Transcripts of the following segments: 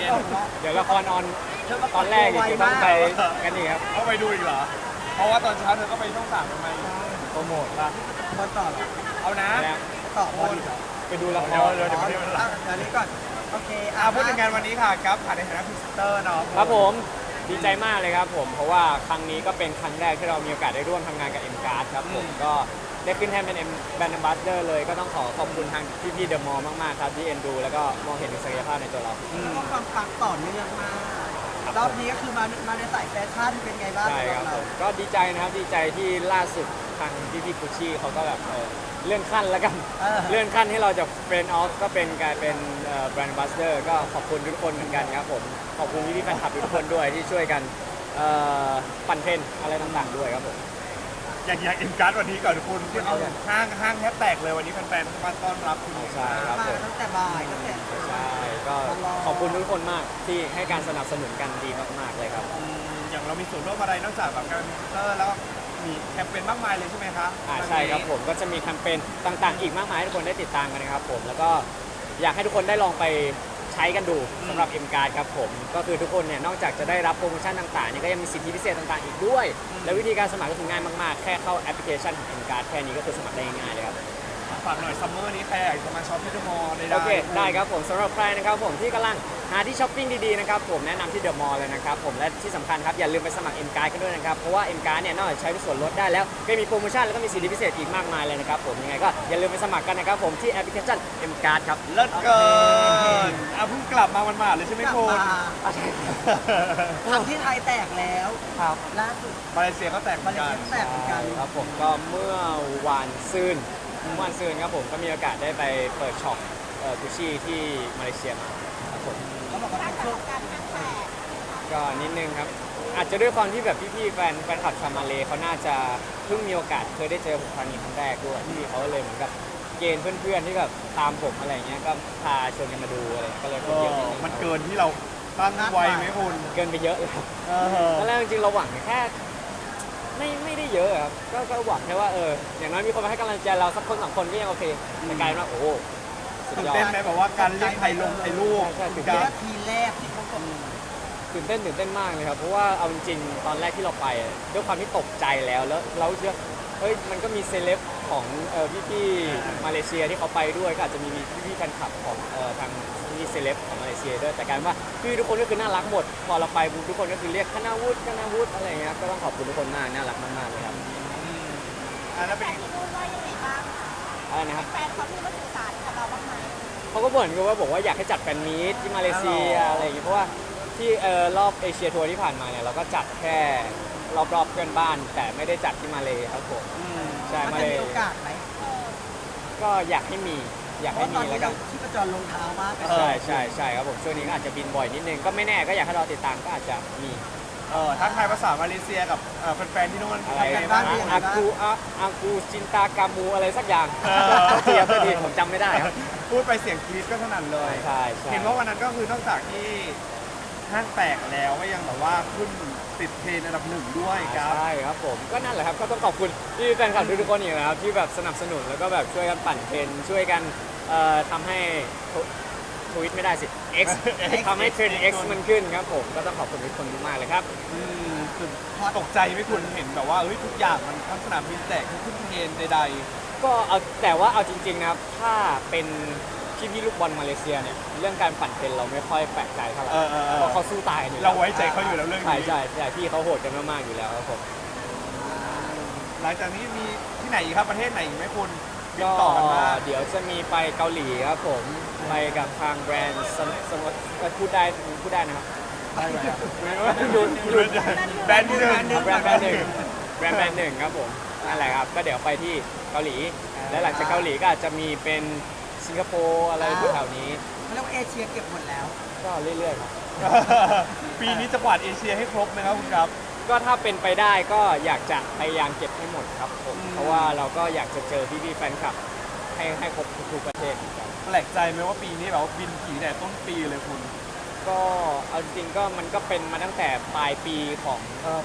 ย็นๆเดี๋ยวละครออนตอนแรกอีกจะต้องไปกันอีกครับต้องไปดูอีกเหรอเพราะว่าตอนเช้าเธอก็ไปช่อง 3ทำไมโปรโมทป่ะบอลต่อเหรอเอานะแล้วต่อบอลอีกเหรอไปดูละคเดี๋ยวรเดี๋ยวไม่ได้เวลาเดี๋ยวนี้ก่อนโอเคพูดถึงงานวันนี้ค่ะครับผ่านในฐานะพรีเซนเตอร์เนาะครับผมดีใจมากเลยครับผมเพราะว่าครั้งนี้ก็เป็นครั้งแรกที่เรามีโอกาสได้ร่วมทำงานกับ M Card ครับผมก็ได้ขึ้นแทนเป็น Brand Ambassador เลยก็ต้องขอขอบคุณทางพี่ๆเดอะมอลล์มากๆครับที่เอ็นดูแล้วก็มองเห็นศักยภาพในตัวเราแล้วก็ความปังต่อเนื่องมากรอบนี้ก็คือมาในสายแฟชั่นเป็นไงบ้างใช่ครับผมก็ดีใจนะครับดีใจที่ล่าสุดทางพี่กุชชี่เขาก็แบบเลื่อนขั้นแล้วกันเลื่อนขั้นให้เราจากเฟรนด์ออฟก็เป็นกลายเป็นแบรนด์บัสเตอร์ก็ขอบคุณทุกคนเหมือนกันครับผมขอบคุณพี่ๆแฟนคลับทุกคนด้วยที่ช่วยกันปั่นเทรนด์อะไรต่างๆด้วยครับผมอยากอินการ์ดวันนี้ก่อนคุณห้างแทบแตกเลยวันนี้แฟนๆมาต้อนรับคุณใช่ครับมาผมตั้งแต่บ่ายตั้งแต่ใช่ก็ขอบคุณทุกคนมากที่ให้การสนับสนุนกันดีมากๆเลยครับอย่างเรามีส่วนร่วมอะไรนอกจากแบบการเป็นพรีเซนเตอร์แล้วมีแคมเปญมากมายเลยใช่ไหมคะใช่ครับผมก็จะมีแคมเปญต่างๆ อีกมากมายให้ทุกคนได้ติดตามกันนะครับผมแล้วก็อยากให้ทุกคนได้ลองไปใช้กันดูสำหรับ M Card ครับผมก็คือทุกคนเนี่ยนอกจากจะได้รับโปรโมชั่นต่างๆเนี่ยก็ยังมีสิทธิพิเศษต่างๆอีกด้วย และวิธีการสมัครก็คือง่ายมากๆแค่เข้าแอปพลิเคชันของ M Card แค่นี้ก็คือสมัครได้ง่ายๆเลยครับฝากหน่อยซัมเมอร์นี้ใครอยากจะมาช็อปที่เดอะมอลล์ได้โอเคได้ครับผมสำหรับใครนะครับผมที่กำลังหาที่ช้อปปิ้งดีๆนะครับผมแนะนำที่เดอะมอลล์เลยนะครับผมและที่สำคัญครับอย่าลืมไปสมัคร M Card กันด้วยนะครับเพราะว่า M Card เนี่ยนอกจากใช้ส่วนลดได้แล้วก็มีโปรโมชั่นแล้วก็มีสิทธิพิเศษอีกมากมายเลยนะครับผมยังไงก็อย่าลืมไปสมัครกันนะครับผมที่แอปพลิเคชัน M Card ครับเลิศเกินเพิ่งกลับมาวันๆเลยใช่ไหมกลับคุณมาทำที่ไทยแตกแล้วครับล่าสุดมาเลเซียก็แตกเหมืมาอนเลกันเซียแตกเหมือนกันครับผมก็เมื่อวานซืนครับผมก็มีโอกาสได้ไปเปิดช็อปกุชชี่ที่มาเลเซียมาครับผมเขาบอกว่าเป็นช่วงก็นิดนึงครับอาจจะด้วยความที่แบบพี่ๆแฟนคลับชาวมาเลเขาน่าจะเพิ่งมีโอกาสเคยได้เจอผมครั้งนี้ครั้งแรกด้วยที่เขาเลยเหมือนกับเกณฑ์เพื่อนๆที่แบบตามผมอะไรเงี้ยก็พาชวนกันมาดูอะไรก็เลยคนเยอะนิดนึงมันเกินที่เราตั้งไว้ไหมคุณเกินไปเยอะเลยครับตอนแรกจริงๆเราหวังแค่ไม่ได้เยอะครับก็หวังแค่ว่าอย่างน้อยมีคนมาให้กำลังใจเราสักคนสองคนก็ยังโอเคแต่กลายเป็นว่าโอ้โหสุดตื่นยอดเต้นไหมแบบว่าการเรียกไทยลงไทยลูกใช่ตื่นแค่เต้นทีแรกที่เขาบอกตื่นเต้นมากเลยครับเพราะว่าเอาจริงๆตอนแรกที่เราไปด้วยความที่ตกใจแล้วเราเชื่อเฮ้ยมันก็มีเซเลบของพี่ๆมาเลเซียที่เขาไปด้วยก็อาจจะมีพี่ๆแฟนคลับของทางพี่เซเลบของมาเลเซียด้วยแต่กลารว่าพี่ทุกคนก็คือน่ารักหมดพอเราไปทุกคนก็คือเรียกคณาวุฒิอะไรอย่างเงี้ยก็ต้องขอบคุณทุกคนมากน่ารักมากๆเลยครับแล้วเป็นที่นู่นว่ายังไงบ้างอะไรนะครับแฟนเขาที่มาสื่อสารกับเราบ้างไหมเขาก็บ่นกันว่าบอกว่าอยากให้จัดแฟนมีตที่มาเลเซียอะไรอย่างเงี้ยเพราะว่าที่รอบเอเชียทัวร์ที่ผ่านมาเนี่ยเราก็จัดแค่รอบๆเพื่อนบ้าน แต่ไม่ได้จัดที่มาเลครับผมใช่มันมาจะเลมีโอกาสไหมก็อยากให้มีเพราะตอนแล้นี้วกัเรานที่ประจรลงเท้ามากใช่ครับผมช่วงนี้ก็อาจจะบินบ่อยนิดนึงก็ไม่แน่ก็อยากให้เราติดตามก็อาจจะมีทักทายภาษามาเลเซียกับแฟนๆที่นู่นอะไรทำไงบ้าบ้าง งอากูจินตากามูอะไรสักอย่างเทียบดีผมจำไม่ได้ครับพูดไปเสียงกรี๊ดก็สนั่นเลยใช่เห็นว่าวันนั้นก็คือนอกจากที่ห้างแตกแล้วก็ยังแบบว่าขึ้นติดเทรนด์อันดับ 1ด้วยครับใช่ครับผมก็นั่นแหละครับก็ต้องขอบคุณที่แฟนคลับทุกๆคนอีกนะครับที่แบบสนับสนุนแล้วก็แบบช่วยกันปั่นเทรนด์ช่วยกันทำให้ทวิตไม่ได้สิ X ทำให้เทรนด์ X มันขึ้นครับผมก็ต้องขอบคุณทุกคนมากๆเลยครับคือตกใจไหม่คุณเห็นแบบว่าทุกอย่างมันทั้งสนามบินแตกทั้งขึ้นเทรนด์ใดก็เอาแต่ว่าเอาจริงๆนะครับถ้าเป็นพี่ลูกบอลมาเลเซียเนี่ยเรื่องการปั่นเทรนด์เราไม่ค่อยแปลกใจเท่าไหร่เพราะเขาสู้ตายกันอยู่ๆเราไว้ใจเขาอยู่แล้วเรื่องใช่นี้ใช่พี่เขาโหดกันมากๆอยู่แล้วครับผมหลังจากนี้มีที่ไหนอีกครับประเทศไหนอีกไหมคุณติดก็ต่อกันมาเดี๋ยวจะมีไปเกาหลีครับผมไปกับทางแบรนด์สมมติพูดได้นะครับได้ไหมครับดูแบรนด์ที่หนึ่งแบรนด์หนึ่งครับผมนั่นแหละครับก็เดี๋ยวไปที่เกาหลี และหลังจากเกาหลีก็อาจจะมีเป็นสิงคโปร์อะไรแถวๆนี้เขาเรียกว่าเอเชียเก็บหมดแล้วก็เรื่อยๆครับปีนี้จะกวาดเอเชียให้ครบไหมครับคุณครับก็ถ้าเป็นไปได้ก็อยากจะพยายามเก็บให้หมดครับผมอืมเพราะว่าเราก็อยากจะเจอพี่ๆแฟนคลับให้ครบทุกประเทศเหมือนกันแปลกใจไหมว่าปีนี้แบบว่าบินผีแต่ต้นปีเลยคุณก็เอาจริงๆก็มันก็เป็นมาตั้งแต่ปลายปีของ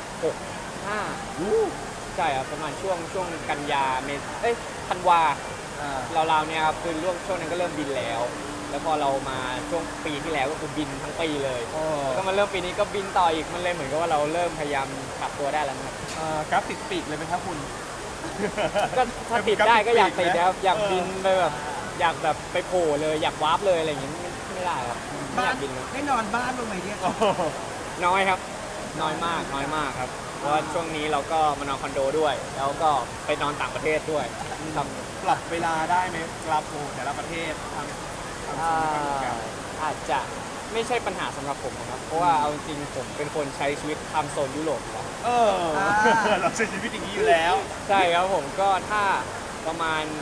65ใช่ครับประมาณช่วงกันยาธันวาราวๆเนี่ยครับคือช่วงนั้นก็เริ่มบินแล้วแล้วพอเรามาช่วงปีที่แล้วก็คือบินทั้งปีเลยโอ้แล้วก็มาเริ่มปีนี้ก็บินต่ออีกมันเลยเหมือนกับว่าเราเริ่มพยายามปรับตัวได้แล้วนะครับกราฟติดปีกเลยไหมครับคุณก็ถ้าติดได้ก็อยากติดนะครับอยากเออบินไปแบบอยากแบบไปโผล่เลยอยากวาร์ปเลยอะไรอย่างงี้ไม่ได้ครับไม่อบ้านยากบินเลยได้นอนบ้านบ้างไหมเนี่ยโอ้โหน้อยครับน้อยมากครับเพราะว่าช่วงนี้เราก็มานอนคอนโดด้วย แล้วก็ไปนอนต่างประเทศด้วยครับปรับเวลาได้ไหมครับโอ้แต่ละประเทศทางโซนไม่เหมือนกันอาจจะไม่ใช่ปัญหาสำหรับผมนะครับ เพราะว่าเอาจริงๆผมเป็นคนใช้ชีวิตทำโซนยุโรปอยู่แล้วเราใช้ชีวิตอย่างนี้อยู่แล้วใช่ครับผมก็ถ้าประมาณ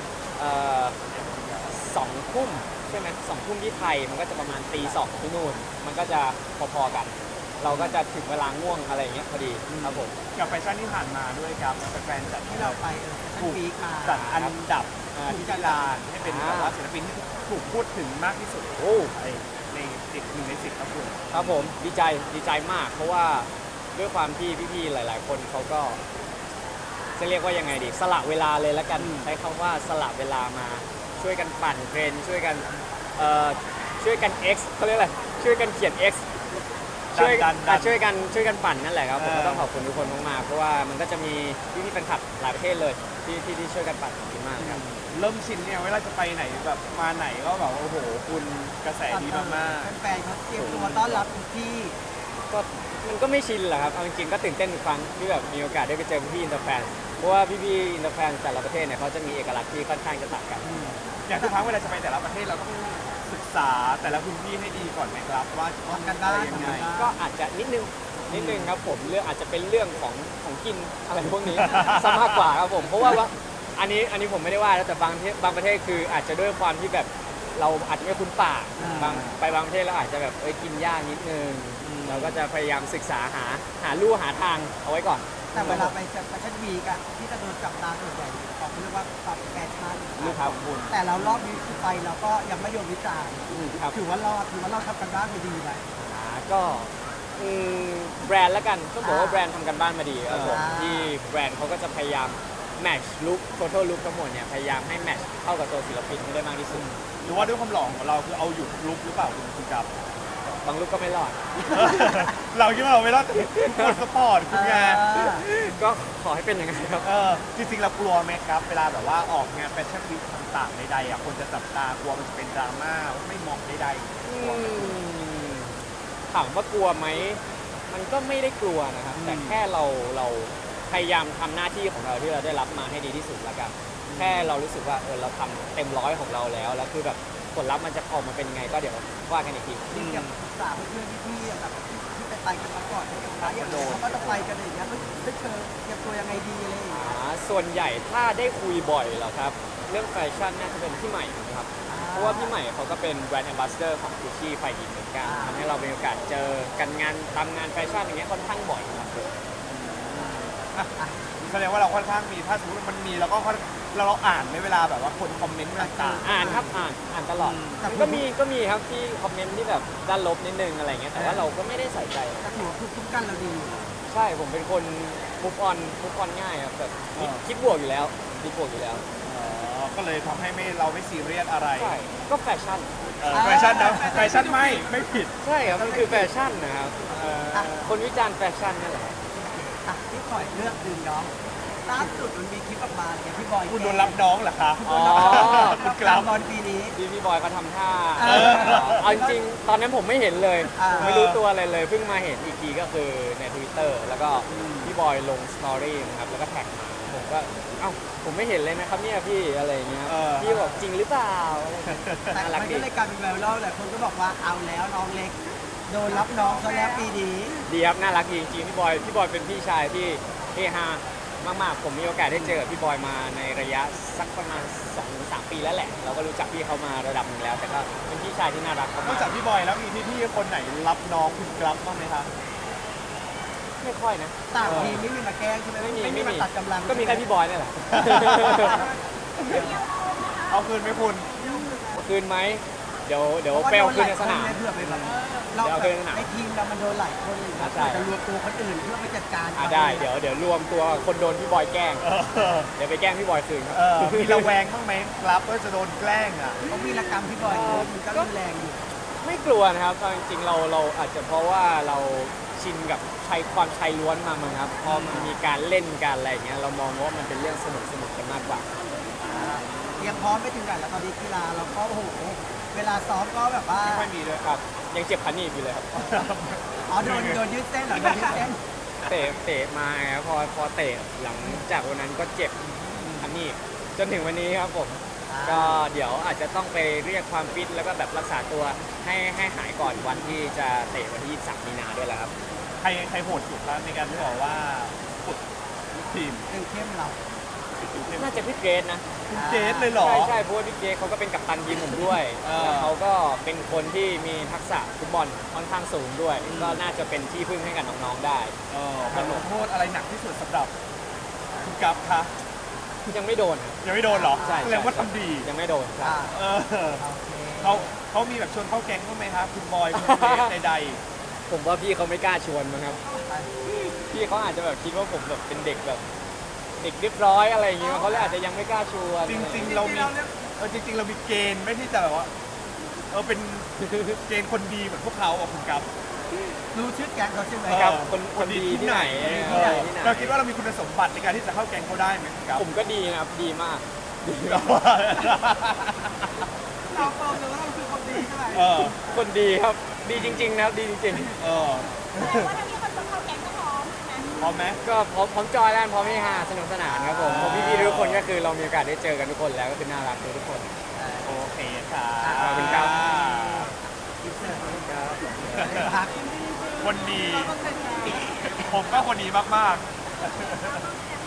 สองทุ่มใช่ไหมสองทุ่มที่ไทยมันก็จะประมาณตีสองที่นู่นมันก็จะพอๆกัน เราก็จะถึงเวลาง่วงอะไรอย่างเงี้ยพอดีครับผมกับแฟชั่นที่ผ่านมาด้วยครับแฟนๆจัดที่เราไปชั้นวีคมาจัดอันดับที่มิลานให้เป็นแบบว่าศิลปินที่ถูกพูดถึงมากที่สุดโอ้ในติด1 ใน 10ครับคุณครับผมดีใจมาก เพราะว่าด้วยความที่พี่ๆหลาย ๆ คนเขาก็จะเรียกว่ายังไงดีสละเวลาเลยละกันใช้คำว่าสละเวลามาช่วยกันปั่นเทรนด์ช่วยกันX เขาเรียกอะไรช่วยกันเขียน X ช่วยช่วยกันปั่นนั่นแหละครับผมก็ต้องขอบคุณทุกคนมากๆเพราะว่ามันก็จะมีพี่ๆแฟนคลับหลายประเทศเลยที่ช่วยกันปั่นขอบคุณมากครับเริ่มชินเนี่ยเวลาจะไปไหนแบบมาไหนก็แบบโอ้โหคุณกระแสดีมากแฟนๆเขาเตรียมตัวต้อนรับทุกที่ก็มันก็ไม่ชินแหละครับเอาจริงๆก็ตื่นเต้นทุกครั้งที่แบบมีโอกาสได้ไปเจอพี่ๆอินเตอร์แฟนเพราะว่าพี่ๆอินเตอร์แฟนแต่ละประเทศเนี่ยเขาจะมีเอกลักษณ์ที่ค่อนข้างจะต่างกันๆอย่างทุกครั้งเวลาจะไปแต่ละประเทศเราต้องศึกษาแต่ละพื้นที่ให้ดีก่อนไหมครับว่าทำกันบ้านอะไรยังไงก็อาจจะนิดนึงครับผมเรื่องอาจจะเป็นเรื่องของกินอะไรพวกนี้ ซะมากกว่าครับผมเพราะว่าอันนี้ผมไม่ได้ว่าแล้วแต่บางประเทศคืออาจจะด้วยความที่แบบเราอาจจะไม่คุ้นปากบางประเทศเราอาจจะแบบกินยากนิดนึงเราก็จะพยายามศึกษาหาลู่หาทางเอาไว้ก่อนแต่เวลาไปชั้นวีคอะที่จะโดนจับตาส่วนใหญ่ออกเรียกว่าปรับแฟชั่นลูกครับคุณแต่เรารอบนี้คือไปเราก็ยังไม่โยนวิจารณ์ครับถือว่ารอดทำกันบ้านไปดีไหมก็แบรนด์ละกันต้องบอกว่าแบรนด์ทำกันบ้านมาดีครับผมอ่าที่แบรนด์เขาก็จะพยายามแมทช์ลุค total look ทั้งหมดเนี่ยพยายามให้แมทช์เข้ากับตัวศิลปินให้ได้มากที่สุดหรือว่าด้วยความหล่อของเราคือเอาอยู่ลุกหรือเปล่าคุณครับบางลุคก็ไม่รอดเราคิดว่าเราไม่รอดแต่ทุกคนสปอร์ตคุณไงก็ขอให้เป็นอย่างนั้นครับจริงๆเรากลัวไหมครับ เวลาแบบว่าออกงานแฟชั่นวีคต่างๆใดๆอ่ะคนจะจับตากลัวมันจะเป็นดราม่าไม่เหมาะใดๆกลัวไหมถามว่ากลัวไหม มันก็ไม่ได้กลัวนะครับ แต่แค่เราพยายามทำหน้าที่ของเราที่เราได้รับมาให้ดีที่สุดละกัน แค่เรารู้สึกว่าเราทำเต็มร้อยของเราแล้วคือแบบผลลัพธ์มันจะออกมาเป็นยังไงก็เดี๋ยวว่ากันอีกทีจริงๆกับศึกษาเพื่อนๆพี่ๆแบบที่ไปกันมาก่อนอย่างไรอย่างเขาก็จะไปกันอย่างเงี้ยไม่เจอเตรียมตัวยังไงดีอะไรอย่างเงี้ยส่วนใหญ่ถ้าได้คุยบ่อยเหรอครับ เรื่องแฟชั่นน่าจะเป็นพี่ใหม่นะครับ เพราะว่าพี่ใหม่เขาก็เป็นแบรนด์แอมบาสเดอร์ของกุชชี่ไฟดีเหมือนกันทำให้เรามีโอกาสเจอกันตามงานแฟชั่นอย่างเงี้ยค่อนข้างบ่อยครับผมแสดงว่าเราค่อนข้างมีถ้าสมมติมันมีเราก็เราอ่านในเวลาแบบว่าคนคอมเมนต์ต่างอ่านครับอ่านตลอดก็มีครับที่คอมเมนต์ที่แบบด้านลบนิดนึงอะไรเงี้ยแต่ว่าเราก็ไม่ได้ใส่ใจแต่ถือว่าภูมิคุ้มกันเราดีใช่ผมเป็นคนมุฟออนง่ายครับแบบคิดบวกอยู่แล้วคิดบวกอยู่แล้วๆก็เลยทำให้เราไม่ซีเรียสอะไรใช่ก็แฟชั่นแฟชั่นนะแฟชั่นไม่ผิดใช่ครับมันคือแฟชั่นนะครับคนวิจารณ์แฟชั่นนั่นแหละอ่ะพี่ขอยเลือกดึงน้องล่าสุดมันมีคลิปออกมาเนี่ยพี่บอยคุณโดนรับน้องเหรอคะอ๋อคุณกลางบอลปีนี้พี่บอยเขาทำท่าเออเอาจริงๆตอนนั้นผมไม่เห็นเลยอ่าผมไม่รู้ตัวอะไรเลยเพิ่งมาเห็นอีกทีก็คือใน Twitter แล้วก็พี่บอยลงสตอรี่นะครับแล้วก็แท็กมาผมก็เอ้าผมไม่เห็นเลยนะครับเนี่ยพี่อะไรอย่างเงี้ยพี่บอกจริงหรือเปล่าอะไรอย่างเงี้ยแต่น่ารักมันดีก็เลยกลายเป็นไวรัลแหละคนก็บอกว่าเอาแล้วน้องเล็ก โดนรับน้องซะแล้วปีนี้ดีครับน่ารักดีจริงๆพี่บอยเป็นพี่ชายที่เฮฮามากๆผมมีโอกาสได้เจอกับพี่บอยมาในระยะสักประมาณ 2-3 ปีแล้วแหละเราก็รู้จักพี่เขามาระดับหนึ่งแล้ว แต่ก็เป็นพี่ชายที่น่ารักนอกมากจากพี่บอยแล้วมีพี่ๆคนไหนรับน้องคุณกรับบ้างไหมคะๆไม่ค่อยนะต่างทีมไม่มีมาแกล้งใช่ไหมไม่มีมาตัดกำลังก็มีแค่พี่บอยนี่แหละเอาคืนไหมคุณเอาคืนไหมเดี๋ยวไปเอาคืนในสนามเผื่อไปแบบเราเดินสนามในทีมเรามันโดนหลายคนเลยนะใช่จะรวมตัวคนอื่นเพื่อไปจัดการได้เดี๋ยวรวมตัวคนโดนพี่บอยแกล้ง เดี๋ยวไปแกล้งพี่บอยคืนครับมีระแวงบ้างไหมครับว่าจะโดนแกล้งอ่ะเพราะวีรกรรมพี่บอยมันก็รุนแรงอยู่ไม่กลัวนะครับเอาจริงๆเราอาจจะเพราะว่าเราชินกับความชายล้วนมามั้งครับพอมันมีการเล่นการอะไรอย่างเงี้ยเรามองว่ามันเป็นเรื่องสนุกกันมากกว่าเตรียมพร้อมไปถึงไหนแล้วตอนนี้กีฬาเราก็โอ้โหเวลาซ้อมก็แบบว่าไม่ค่อยมีด้วยครับ ยังเจ็บขาหนีบอยู่เลยครับอ๋อโดนยืดเส้นเหรอโดนยืดเส้นเตะมาครับพอเตะหลังจากวันนั้นก็เจ็บขาหนีบจนถึงวันนี้ครับผม ก็เดี๋ยวอาจจะต้องไปเรียกความฟิตแล้วก็แบบรักษาตัวให้หายก่อนวันที่จะเตะวันที่23มีนาด้วยแหละครับใครโหดสุดครับในการที่บอกว่าฝึกลูกทีมหนึ่งเข้มเราน่าจะพี่เกรซนะคุณเจสเลยเหรอใช่เพราะว่าพี่เกรซเขาก็เป็นกัปตันทีมผมด้วยเออแล้วเขาก็เป็นคนที่มีทักษะฟุตบอลค่อนข้างสูงด้วย ก็น่าจะเป็นที่พึ่งให้กับน้องๆได้มันลงโทษอะไรหนักที่สุดสำหรับคุณกัฟคะยังไม่โดนครับยังไม่โดนเหรอใช่แสดงว่าทำดียังไม่โดนครับเออโอเคเขามีแบบชวนเข้าแก๊งบ้างไหมครับคุณบอยคุณเจสใดผมว่าพี่เขาไม่กล้าชวนมั้งครับ พี่เขาอาจจะแบบคิดว่าผมแบบเป็นเด็กแบบเด็กเรียบร้อยอะไรอย่างเงี้ยเขาเลยอาจจะยังไม่กล้าชวนๆจริง ๆ เรามีจริง ๆ เรามีเกณฑ์ไม่ที่จะแบบว่าเป็นเกณฑ์คนดีเหมือนพวกเขาอ่ะคุณกัฟรู้ชื่อแก๊งเขาใช่ไหมครับคนดีที่ไหนที่ไหนเราคิดว่าเรามีคุณสมบัติในการที่จะเข้าแก๊งเขาได้ไหมคุณกัฟผมก็ดีนะครับดีมากดีเราเปิดเลยว่าเราคือคนดีใช่ไหมคนดีครับดีจริงๆนะครับดีจริงเออแต่ว่าถ้ามีคนชวนเข้าแก๊งก็พร้อมใช่ไหมพร้อมไหมๆก็พร้อมจอยแล้วพร้อมที่ฮาสนุกสนานครับผมเพราะพี่ๆทุกคนก็คือเรามีโอกาสได้เจอกันทุกคนแล้วก็คือน่ารักทุกคนโอเคค่ะขอบคุณครับพักคนดี ผมก็คนดีมากๆ